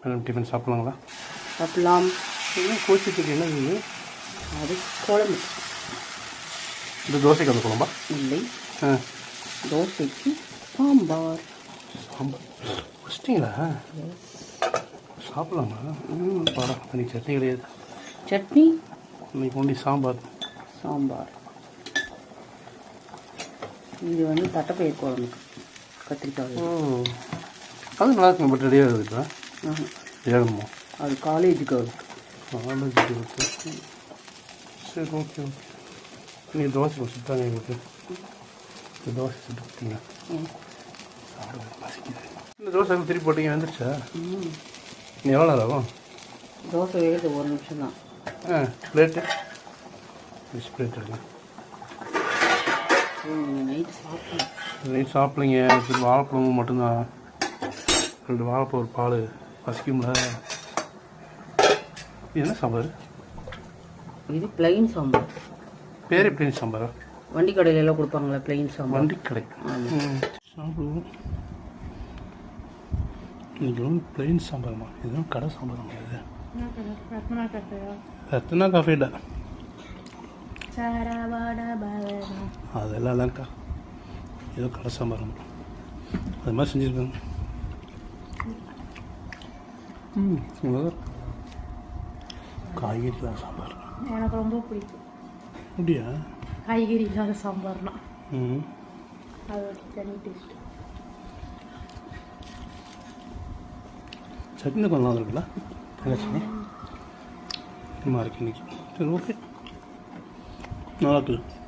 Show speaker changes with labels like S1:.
S1: Tiffin சாப்பிட்லாங்களா?
S2: சாப்பிட்லாம்.
S1: கோச்சிக்கு என்ன இது?
S2: அது குழம்பு.
S1: இந்த தோசைக்கு அந்த குழம்பா?
S2: இல்லை, தோசைக்கு சாம்பார்.
S1: சாம்பார் வச்சிட்டிங்களா? சாப்பிட்லாமா? படம் இன்னைக்கு சட்னி கிடையாது.
S2: சட்னி
S1: இன்னைக்கு ஒன்லி சாம்பார்.
S2: சாம்பார். இது வந்து தட்டைப்பயிர் குழம்புக்கு கத்திரிக்காய்.
S1: அது நல்லா இருக்கும். பட் ரெடியாக இருக்குதா? ஏகணுமா?
S2: அது காலேஜுக்கு இருக்கு.
S1: காலேஜுக்கு இருக்கு. சரி, ஓகே ஓகே. நீங்கள் தோசை சுட்டாங்க எங்களுக்கு. இந்த தோசை சுட்டு கொடுத்தீங்க. சாப்பிட பசிக்குது. இந்த தோசை திருப்பி போட்டீங்க வந்துருச்சா? நீ எவ்வளோ நேரம் ஆகும்?
S2: தோசை வேகிறது 1 நிமிஷம் தான்.
S1: பிளேட்டு பிளேட் எடுங்க.
S2: நைட்டு சாப்பிடலாம்.
S1: நைட் சாப்பிட்லிங்க. சரி, வாழைப்பழமும் மட்டும்தான். 2 வாழைப்பழம் ஒரு பால் பசிக்கும்ல. இது என்ன சாம்பார்?
S2: இது பிளைன் சாம்பார்.
S1: பேரே பிளைன் சாம்பாரா?
S2: வண்டி கடையிலலாம் கொடுப்பாங்களா பிளைன் சாம்பார்?
S1: வண்டி கடை. சாப்பிடுவோம். இது வந்து பிளைன் சாம்பார்மா. இதுவும் கடை சாம்பார் முடியாது. ரத்னா காஃபேடா? அதெல்லாம் இல்லைக்கா. ஏதோ கடை சாம்பார் அது மாதிரி செஞ்சுருக்காங்க. காய்கறி இல்லாத சாம்பார்
S3: எனக்கு ரொம்ப பிடிக்கும்.
S1: அப்படியா?
S3: காய்கறி இல்லாத சாம்பார்னா அது ஒரு தனி டேஸ்ட்.
S1: சட்னி கொஞ்சம் நல்லா இருக்குல்ல? தேங்காய் சட்னி நல்லா இருக்கு இன்னைக்கு. சரி, ஓகே, நல்லா இருக்குது.